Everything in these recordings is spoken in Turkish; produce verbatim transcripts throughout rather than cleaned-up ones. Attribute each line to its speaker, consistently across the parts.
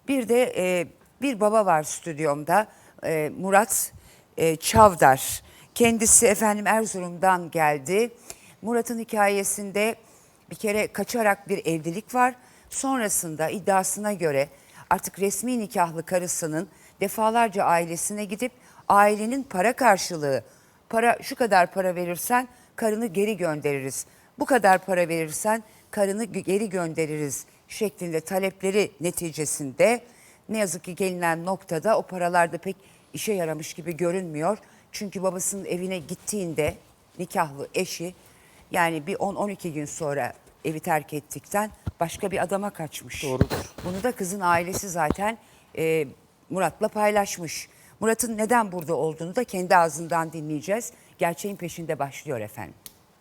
Speaker 1: Bir de e, bir baba var stüdyomda, e, Murat e, Çavdar. Kendisi efendim Erzurum'dan geldi. Murat'ın hikayesinde bir kere kaçarak bir evlilik var. Sonrasında iddiasına göre artık resmi nikahlı karısının defalarca ailesine gidip ailenin para karşılığı, para şu kadar para verirsen karını geri göndeririz, bu kadar para verirsen karını geri göndeririz şeklinde talepleri neticesinde ne yazık ki gelinen noktada o paralar da pek işe yaramış gibi görünmüyor. Çünkü babasının evine gittiğinde nikahlı eşi yani bir on on iki gün sonra evi terk ettikten başka bir adama kaçmış.
Speaker 2: Doğrudur.
Speaker 1: Bunu da kızın ailesi zaten e, Murat'la paylaşmış. Murat'ın neden burada olduğunu da kendi ağzından dinleyeceğiz. Gerçeğin peşinde başlıyor efendim.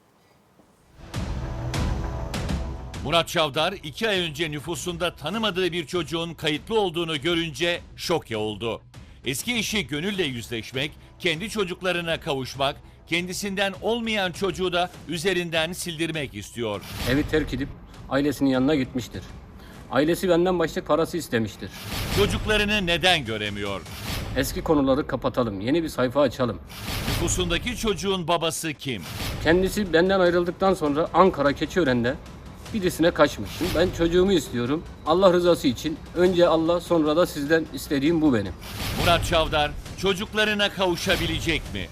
Speaker 3: Murat Çavdar iki ay önce nüfusunda tanımadığı bir çocuğun kayıtlı olduğunu görünce şoke oldu. Eski eşi Gönül'le yüzleşmek, kendi çocuklarına kavuşmak, kendisinden olmayan çocuğu da üzerinden sildirmek istiyor.
Speaker 2: Evi terk edip ailesinin yanına gitmiştir. Ailesi benden başlık parası istemiştir.
Speaker 3: Çocuklarını neden göremiyor?
Speaker 2: Eski konuları kapatalım, yeni bir sayfa açalım.
Speaker 3: Nüfusundaki çocuğun babası kim?
Speaker 2: Kendisi benden ayrıldıktan sonra Ankara Keçiören'de birisine kaçmış. Ben çocuğumu istiyorum. Allah rızası için önce Allah sonra da sizden istediğim bu benim.
Speaker 3: Murat Çavdar çocuklarına kavuşabilecek mi?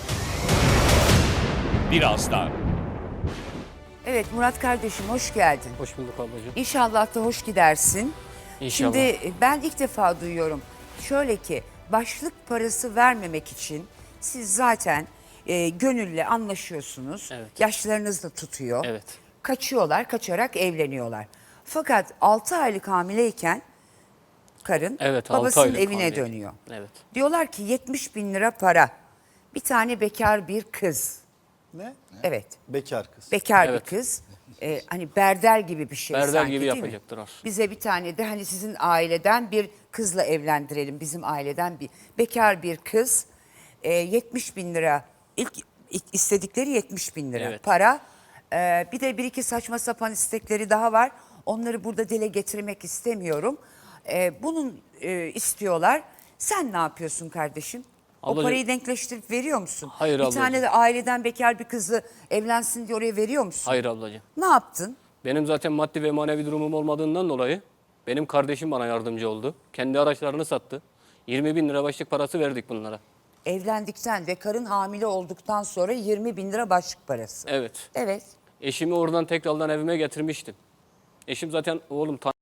Speaker 3: Birazdan.
Speaker 1: Evet Murat kardeşim hoş geldin.
Speaker 2: Hoş bulduk ablacığım.
Speaker 1: İnşallah da hoş gidersin.
Speaker 2: İnşallah.
Speaker 1: Şimdi ben ilk defa duyuyorum. Şöyle ki başlık parası vermemek için siz zaten e, Gönül'le anlaşıyorsunuz.
Speaker 2: Evet.
Speaker 1: Yaşlarınız da tutuyor.
Speaker 2: Evet.
Speaker 1: Kaçıyorlar, kaçarak evleniyorlar. Fakat altı aylık hamileyken karın
Speaker 2: Evet, altı
Speaker 1: babasının
Speaker 2: aylık
Speaker 1: evine
Speaker 2: hamileyken.
Speaker 1: dönüyor.
Speaker 2: Evet.
Speaker 1: Diyorlar ki yetmiş bin lira para. Bir tane bekar bir kız.
Speaker 4: Ne?
Speaker 1: Evet.
Speaker 4: Bekar kız.
Speaker 1: Bekar
Speaker 2: Evet.
Speaker 1: bir kız. Ee, hani berder gibi bir şey
Speaker 2: Berder
Speaker 1: sanki
Speaker 2: gibi
Speaker 1: değil mi?
Speaker 2: yapacaktılar.
Speaker 1: Bize bir tane de hani sizin aileden bir kızla evlendirelim. Bizim aileden bir bekar bir kız. Ee, yetmiş bin lira. İlk, ilk istedikleri yetmiş bin lira
Speaker 2: Evet.
Speaker 1: para. Ee, bir de bir iki saçma sapan istekleri daha var. Onları burada dile getirmek istemiyorum. Ee, bunun e, istiyorlar. Sen ne yapıyorsun kardeşim? O
Speaker 2: Ablacığım-
Speaker 1: parayı denkleştirip veriyor musun?
Speaker 2: Hayır
Speaker 1: Bir
Speaker 2: ablacığım.
Speaker 1: tane de aileden bekar bir kızı evlensin diye oraya veriyor musun?
Speaker 2: Hayır ablacığım.
Speaker 1: Ne yaptın?
Speaker 2: Benim zaten maddi ve manevi durumum olmadığından dolayı benim kardeşim bana yardımcı oldu. Kendi araçlarını sattı. yirmi bin lira başlık parası verdik bunlara.
Speaker 1: Evlendikten ve karın hamile olduktan sonra yirmi bin lira başlık parası.
Speaker 2: Evet.
Speaker 1: Evet.
Speaker 2: Eşimi oradan tekrardan evime getirmiştim. Eşim zaten oğlum tan-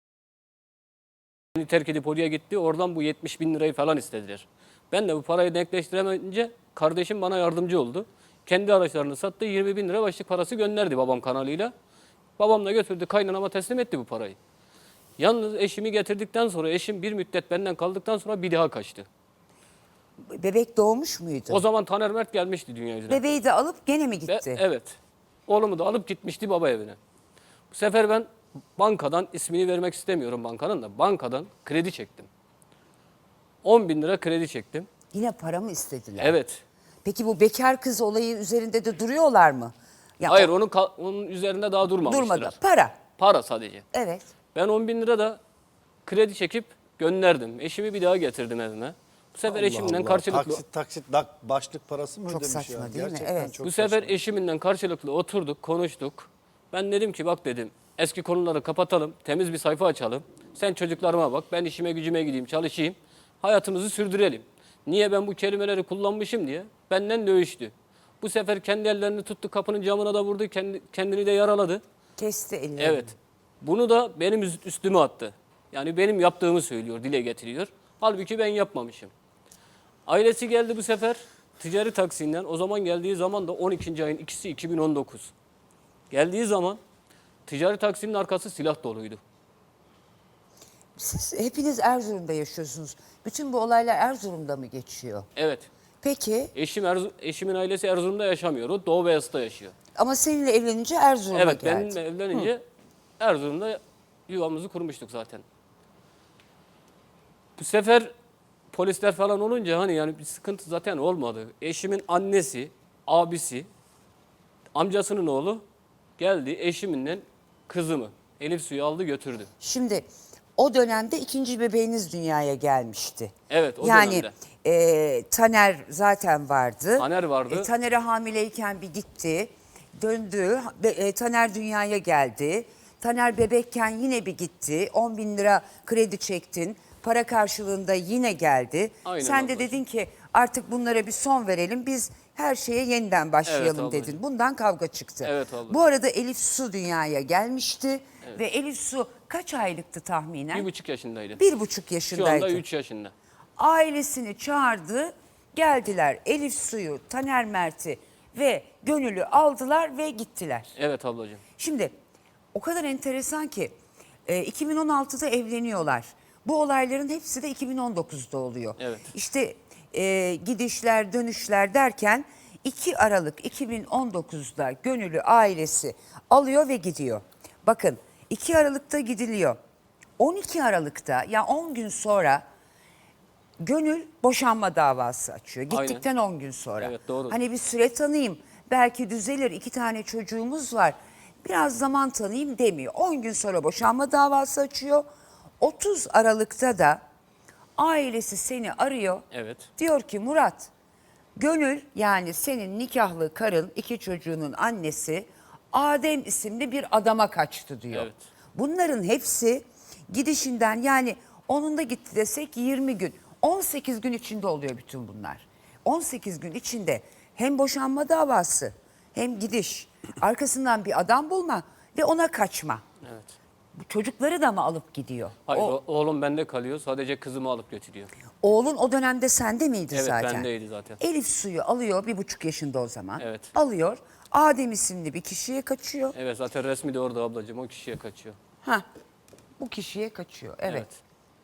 Speaker 2: beni terk edip oraya gitti. Oradan bu yetmiş bin lirayı falan istediler. Ben de bu parayı denkleştiremeyince kardeşim bana yardımcı oldu. Kendi araçlarını sattı. yirmi bin lira başlık parası gönderdi babam kanalıyla. Babam da götürdü kaynanama teslim etti bu parayı. Yalnız eşimi getirdikten sonra eşim bir müddet benden kaldıktan sonra bir daha kaçtı.
Speaker 1: Bebek doğmuş muydu?
Speaker 2: O zaman Taner Mert gelmişti dünya yüzüne.
Speaker 1: Bebeği de alıp gene mi
Speaker 2: Ve
Speaker 1: gitti?
Speaker 2: evet. Oğlumu da alıp gitmişti baba evine. Bu sefer ben bankadan, ismini vermek istemiyorum bankanın da, bankadan kredi çektim. on bin lira kredi çektim.
Speaker 1: Yine para mı istediler?
Speaker 2: Evet.
Speaker 1: Peki bu bekar kız olayı üzerinde de duruyorlar mı? Ya
Speaker 2: Hayır
Speaker 1: o-
Speaker 2: onun ka- onun üzerinde daha durmamıştılar.
Speaker 1: durmadı. Para.
Speaker 2: Para sadece.
Speaker 1: Evet.
Speaker 2: Ben on bin lira da kredi çekip gönderdim. Eşimi bir daha getirdim evime. Bu sefer
Speaker 4: Allah
Speaker 2: eşimden
Speaker 4: Allah.
Speaker 2: karşılıklı...
Speaker 4: Taksit taksit dak, başlık parası mı
Speaker 1: Çok
Speaker 4: ödemiş
Speaker 1: saçma
Speaker 4: ya?
Speaker 1: değil mi?
Speaker 4: Gerçekten
Speaker 1: Evet.
Speaker 4: çok
Speaker 2: Bu sefer
Speaker 4: saçma.
Speaker 2: eşimle karşılıklı oturduk, konuştuk. Ben dedim ki bak dedim eski konuları kapatalım, temiz bir sayfa açalım. Sen çocuklarıma bak, ben işime gücüme gideyim, çalışayım. Hayatımızı sürdürelim. Niye ben bu kelimeleri kullanmışım diye benden dövüştü. Bu sefer kendi ellerini tuttu, kapının camına da vurdu, kendi, kendini de yaraladı.
Speaker 1: Kesti ellerini.
Speaker 2: Evet. Bunu da benim üst- üstüme attı. Yani benim yaptığımı söylüyor, dile getiriyor. Halbuki ben yapmamışım. Ailesi geldi bu sefer ticari taksinden. O zaman geldiği zaman da on ikinci ayın ikisi iki bin on dokuz. Geldiği zaman ticari taksinin arkası silah doluydu.
Speaker 1: Siz hepiniz Erzurum'da yaşıyorsunuz. Bütün bu olaylar Erzurum'da mı geçiyor?
Speaker 2: Evet.
Speaker 1: Peki
Speaker 2: Eşim Erzu- eşimin ailesi Erzurum'da yaşamıyor. O Doğu Beyazıt'ta yaşıyor.
Speaker 1: ama seninle evlenince Erzurum'a
Speaker 2: Evet,
Speaker 1: geldi.
Speaker 2: benimle evlenince Erzurum'da yuvamızı kurmuştuk zaten. Bu sefer polisler falan olunca hani yani bir sıkıntı zaten olmadı. Eşimin annesi, abisi, amcasının oğlu geldi eşiminle kızımı Elif Su'yu aldı götürdü.
Speaker 1: Şimdi o dönemde ikinci bebeğiniz dünyaya gelmişti.
Speaker 2: Evet, o
Speaker 1: yani,
Speaker 2: dönemde.
Speaker 1: e, Taner zaten vardı.
Speaker 2: Taner vardı.
Speaker 1: E, Taner'e hamileyken bir gitti. Döndü. Be- e, Taner dünyaya geldi. Taner bebekken yine bir gitti. on bin lira kredi çektin. Para karşılığında yine geldi.
Speaker 2: Aynen
Speaker 1: Sen de
Speaker 2: ablacığım.
Speaker 1: dedin ki artık bunlara bir son verelim. Biz her şeye yeniden başlayalım
Speaker 2: ablacığım.
Speaker 1: dedin. Bundan kavga çıktı.
Speaker 2: Evet ablacığım.
Speaker 1: Bu arada Elif Su dünyaya gelmişti. Ve Elif Su kaç aylıktı tahminen?
Speaker 2: Bir buçuk yaşındaydı.
Speaker 1: Bir buçuk
Speaker 2: Şu
Speaker 1: yaşındaydı.
Speaker 2: anda üç yaşında.
Speaker 1: Ailesini çağırdı. Geldiler Elif Su'yu, Taner Mert'i ve Gönül'ü aldılar ve gittiler.
Speaker 2: Evet ablacığım.
Speaker 1: Şimdi o kadar enteresan ki e, iki bin on altıda evleniyorlar. Bu olayların hepsi de iki bin on dokuzda oluyor.
Speaker 2: Evet.
Speaker 1: İşte e, gidişler dönüşler derken iki Aralık iki bin on dokuzda Gönül'ü ailesi alıyor ve gidiyor. Bakın iki Aralık'ta gidiliyor. on iki Aralık'ta ya on gün sonra Gönül boşanma davası açıyor.
Speaker 2: Aynen.
Speaker 1: Gittikten on gün sonra.
Speaker 2: Evet, doğru.
Speaker 1: Hani bir süre tanıyayım. Belki düzelir. İki tane çocuğumuz var. Biraz zaman tanıyayım demiyor. on gün sonra boşanma davası açıyor. otuz Aralık'ta da ailesi seni arıyor.
Speaker 2: Evet.
Speaker 1: Diyor ki Murat, Gönül yani senin nikahlı karın, iki çocuğunun annesi Adem isimli bir adama kaçtı diyor.
Speaker 2: Evet.
Speaker 1: Bunların hepsi gidişinden yani onun da gitti desek yirmi gün. on sekiz gün içinde oluyor bütün bunlar. on sekiz gün içinde hem boşanma davası hem gidiş, arkasından bir adam bulma ve ona kaçma.
Speaker 2: Evet.
Speaker 1: Bu çocukları da mı alıp gidiyor?
Speaker 2: Hayır,
Speaker 1: O,
Speaker 2: o- oğlum bende kalıyor. Sadece kızımı alıp götürüyor.
Speaker 1: oğlun o dönemde sende miydi
Speaker 2: Evet,
Speaker 1: zaten?
Speaker 2: bendeydi zaten.
Speaker 1: Elif Su'yu alıyor bir buçuk yaşında o zaman.
Speaker 2: Evet.
Speaker 1: Alıyor. Adem isimli bir kişiye kaçıyor.
Speaker 2: Evet, zaten resmi de orada ablacığım. O kişiye kaçıyor.
Speaker 1: Ha, bu kişiye kaçıyor. Evet.
Speaker 2: Evet.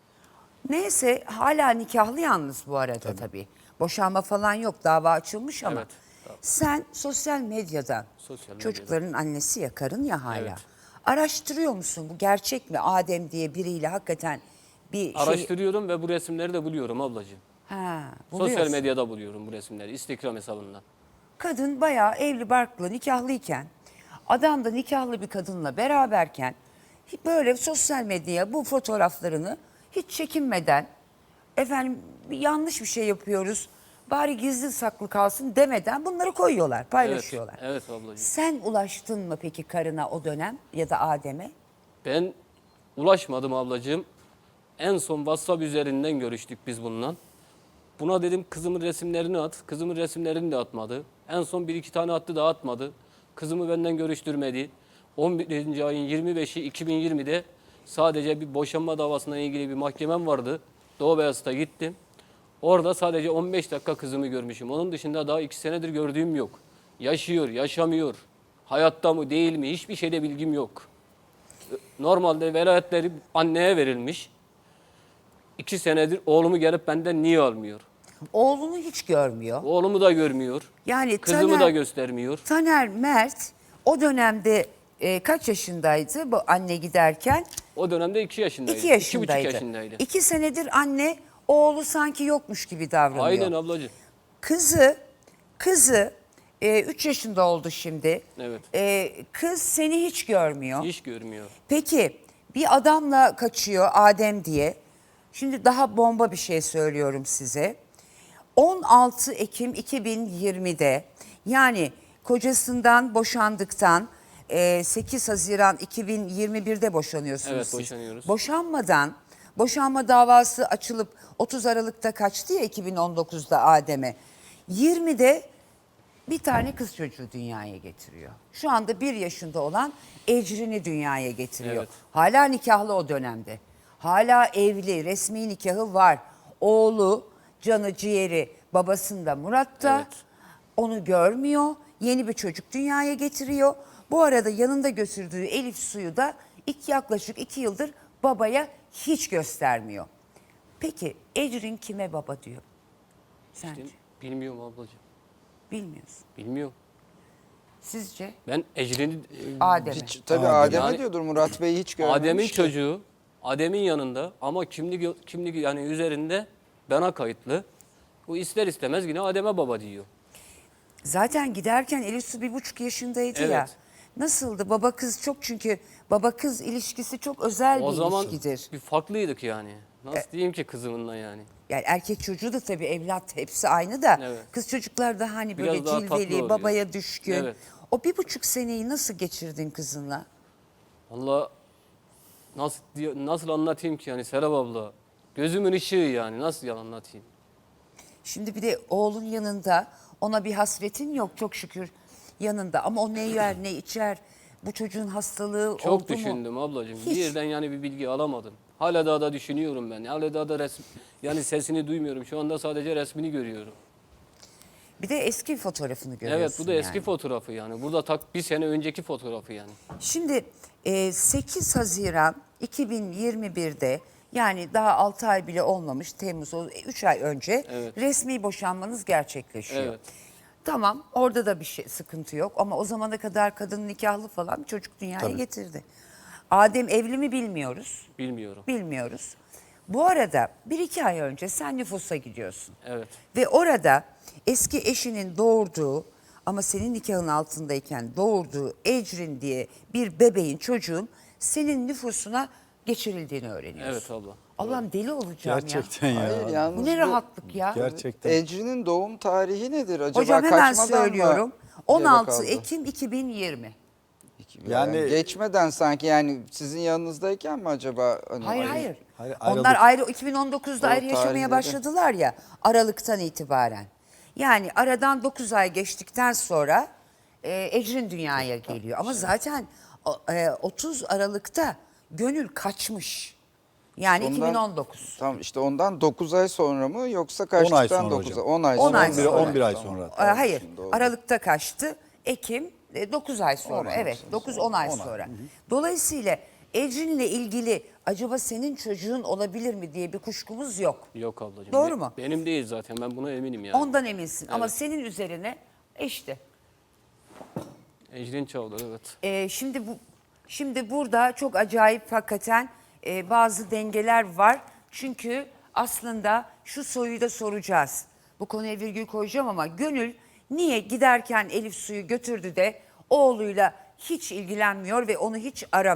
Speaker 1: Neyse hala nikahlı yalnız bu arada tabii. Boşanma falan yok. Dava açılmış ama.
Speaker 2: Evet, tamam.
Speaker 1: Sen sosyal medyadan
Speaker 2: Sosyal medyadan.
Speaker 1: çocukların annesi ya karın ya hala.
Speaker 2: Evet.
Speaker 1: Araştırıyor musun bu gerçek mi? Adem diye biriyle hakikaten bir şey.
Speaker 2: Araştırıyorum ve bu resimleri de buluyorum ablacığım.
Speaker 1: Ha,
Speaker 2: Sosyal
Speaker 1: buluyorsun.
Speaker 2: medyada buluyorum bu resimleri. Instagram hesabından.
Speaker 1: Kadın bayağı evli barklı nikahlıyken adam da nikahlı bir kadınla beraberken böyle sosyal medyaya bu fotoğraflarını hiç çekinmeden efendim yanlış bir şey yapıyoruz bari gizli saklı kalsın demeden bunları koyuyorlar paylaşıyorlar.
Speaker 2: Evet, evet ablacığım.
Speaker 1: Sen ulaştın mı peki karına o dönem ya da Adem'e?
Speaker 2: Ben ulaşmadım ablacığım. En son WhatsApp üzerinden görüştük biz bununla. Buna dedim kızımın resimlerini at. Kızımın resimlerini de atmadı. En son bir iki tane attı da atmadı. Kızımı benden görüştürmedi. on birinci ayın yirmi beşi iki bin yirmide sadece bir boşanma davasına ilgili bir mahkemem vardı. Doğu Beyazıt'a gittim. Orada sadece on beş dakika kızımı görmüşüm. Onun dışında daha iki senedir gördüğüm yok. Yaşıyor, yaşamıyor. Hayatta mı değil mi hiçbir şeyde bilgim yok. Normalde velayetleri anneye verilmiş. İki senedir oğlumu gelip benden niye almıyor?
Speaker 1: Oğlunu hiç görmüyor.
Speaker 2: Oğlumu da görmüyor.
Speaker 1: Yani
Speaker 2: Kızımı
Speaker 1: Taner-
Speaker 2: da göstermiyor.
Speaker 1: Taner Mert o dönemde e, kaç yaşındaydı bu anne giderken?
Speaker 2: O dönemde iki yaşındaydı.
Speaker 1: İki yaşındaydı.
Speaker 2: İki buçuk yaşındaydı.
Speaker 1: İki senedir anne oğlu sanki yokmuş gibi davranıyor.
Speaker 2: Aynen ablacığım.
Speaker 1: Kızı, kızı e, üç yaşında oldu şimdi.
Speaker 2: Evet.
Speaker 1: E, kız seni hiç görmüyor.
Speaker 2: Hiç görmüyor.
Speaker 1: Peki bir adamla kaçıyor Adem diye. Şimdi daha bomba bir şey söylüyorum size. on altı Ekim iki bin yirmide yani kocasından boşandıktan e, sekiz Haziran iki bin yirmi birde boşanıyorsunuz
Speaker 2: Evet,
Speaker 1: siz.
Speaker 2: boşanıyoruz.
Speaker 1: Boşanmadan boşanma davası açılıp otuz Aralık'ta kaçtı ya iki bin on dokuzda Adem'e. yirmide bir tane kız çocuğu dünyaya getiriyor. Şu anda bir yaşında olan Ecrin'i dünyaya getiriyor.
Speaker 2: Evet.
Speaker 1: Hala nikahlı o dönemde. Hala evli, resmi nikahı var. Oğlu, canı ciğeri babasında Murat'ta.
Speaker 2: Evet.
Speaker 1: Onu görmüyor. Yeni bir çocuk dünyaya getiriyor. Bu arada yanında götürdüğü Elif Su'yu da iki, yaklaşık iki yıldır babaya hiç göstermiyor. Peki Ecrin kime baba diyor? Sence?
Speaker 2: Bilmiyorum ablacığım.
Speaker 1: Bilmiyorsun.
Speaker 2: Bilmiyorum.
Speaker 1: Sizce?
Speaker 2: Ben Ecrin'i... e,
Speaker 1: Adem'e.
Speaker 5: Hiç, tabii Adem'e
Speaker 2: Yani-
Speaker 5: diyordur. Murat Bey hiç görmemiş
Speaker 2: Adem'in
Speaker 5: ki.
Speaker 2: çocuğu, Adem'in yanında ama kimlik kimlik yani üzerinde bana kayıtlı. Bu ister istemez yine Adem'e baba diyor.
Speaker 1: Zaten giderken Elif Su bir buçuk yaşındaydı
Speaker 2: Evet.
Speaker 1: ya. Nasıldı? Baba kız çok, çünkü baba kız ilişkisi çok özel
Speaker 2: O
Speaker 1: bir
Speaker 2: zaman
Speaker 1: ilişkidir.
Speaker 2: bir farklıydık yani. Nasıl
Speaker 1: E-
Speaker 2: diyeyim ki kızımınla yani.
Speaker 1: Yani erkek çocuğu da tabii evlat, hepsi aynı da
Speaker 2: Evet.
Speaker 1: kız çocuklar da hani böyle
Speaker 2: Biraz daha tatlı
Speaker 1: cilveli,
Speaker 2: oluyor.
Speaker 1: babaya düşkün.
Speaker 2: Evet.
Speaker 1: O bir buçuk seneyi nasıl geçirdin kızınla?
Speaker 2: Valla nasıl diye- nasıl anlatayım ki yani Serap abla. Gözümün ışığı yani, nasıl yalan anlatayım.
Speaker 1: Şimdi bir de oğlun yanında, ona bir hasretin yok çok şükür yanında, ama o ne yer ne içer, bu çocuğun hastalığı
Speaker 2: Çok
Speaker 1: oldu mu?
Speaker 2: düşündüm ablacığım.
Speaker 1: Hiç.
Speaker 2: Birden yani bir bilgi alamadım. Hala daha da düşünüyorum ben. Hala daha da resim, yani sesini duymuyorum. Şu anda sadece resmini görüyorum.
Speaker 1: Bir de eski fotoğrafını görüyorsun.
Speaker 2: Evet, bu da eski
Speaker 1: yani.
Speaker 2: fotoğrafı yani. Burada tak bir sene önceki fotoğrafı yani.
Speaker 1: Şimdi e, sekiz Haziran iki bin yirmi bir'de, yani daha altı ay bile olmamış, Temmuz, üç ay önce
Speaker 2: Evet.
Speaker 1: resmi boşanmanız gerçekleşiyor.
Speaker 2: Evet.
Speaker 1: Tamam, orada da bir şey, sıkıntı yok, ama o zamana kadar kadın nikahlı falan, çocuk dünyaya
Speaker 4: Tabii.
Speaker 1: getirdi. Adem evli mi bilmiyoruz.
Speaker 2: Bilmiyorum.
Speaker 1: Bilmiyoruz. Bu arada bir iki ay önce sen nüfusa gidiyorsun.
Speaker 2: Evet.
Speaker 1: Ve orada eski eşinin doğurduğu, ama senin nikahın altındayken doğurduğu Ecrin diye bir bebeğin, çocuğun senin nüfusuna geçirildiğini öğreniyorsun.
Speaker 2: Evet abla.
Speaker 1: Allah'ım deli olacağım
Speaker 4: Gerçekten
Speaker 1: ya.
Speaker 4: ya.
Speaker 5: Hayır,
Speaker 1: Bu
Speaker 5: yalnız
Speaker 1: ne
Speaker 5: bu-
Speaker 1: rahatlık ya.
Speaker 4: Gerçekten.
Speaker 5: Ecrin'in doğum tarihi nedir acaba?
Speaker 1: Hocam hemen
Speaker 5: Kaçmadan mı
Speaker 1: söylüyorum.
Speaker 5: gebe
Speaker 1: on altı
Speaker 5: kaldı?
Speaker 1: Ekim iki bin yirmi.
Speaker 5: Yani,
Speaker 4: Yani-
Speaker 5: geçmeden sanki, yani sizin yanınızdayken mi acaba? Hani
Speaker 1: Hayır
Speaker 5: ay-
Speaker 1: hayır.
Speaker 4: Hayır,
Speaker 1: Onlar
Speaker 4: ayrıldık.
Speaker 1: ayrı, iki bin on dokuz'da
Speaker 5: O
Speaker 1: ayrı yaşamaya
Speaker 5: tarihleri.
Speaker 1: başladılar ya, Aralık'tan itibaren. Yani aradan dokuz ay geçtikten sonra e, Ecrin dünyaya geliyor. Ama zaten o- e, otuz Aralık'ta Gönül kaçmış. Yani
Speaker 5: Ondan-
Speaker 1: iki bin on dokuz.
Speaker 5: Tamam, işte ondan dokuz ay sonra mı, yoksa
Speaker 4: on
Speaker 5: kaçtıktan
Speaker 4: ay sonra
Speaker 5: dokuz
Speaker 4: hocam.
Speaker 5: ay? on ay
Speaker 1: on
Speaker 5: sonra.
Speaker 1: ay
Speaker 4: on bir,
Speaker 1: sonra.
Speaker 4: on bir ay
Speaker 5: Tamam.
Speaker 4: sonra.
Speaker 1: Ee, hayır,
Speaker 5: şimdi oldu.
Speaker 1: Aralık'ta kaçtı. Ekim dokuz ay sonra.
Speaker 5: on ay
Speaker 1: Evet,
Speaker 5: sonra.
Speaker 1: dokuz on ay sonra. Dolayısıyla Ecrin'le ilgili acaba senin çocuğun olabilir mi diye bir kuşkumuz yok.
Speaker 2: Yok ablacığım.
Speaker 1: Doğru
Speaker 2: Be-
Speaker 1: mu?
Speaker 2: Benim değil zaten, ben buna eminim yani.
Speaker 1: Ondan eminsin, ama
Speaker 2: Evet.
Speaker 1: senin üzerine işte.
Speaker 2: Ecrin Çavdar, evet.
Speaker 1: Ee, şimdi bu şimdi burada çok acayip hakikaten e, bazı dengeler var. Çünkü aslında şu soruyu da soracağız. Bu konuya virgül koyacağım, ama Gönül niye giderken Elif Su'yu götürdü de oğluyla hiç ilgilenmiyor ve onu hiç aramıyor?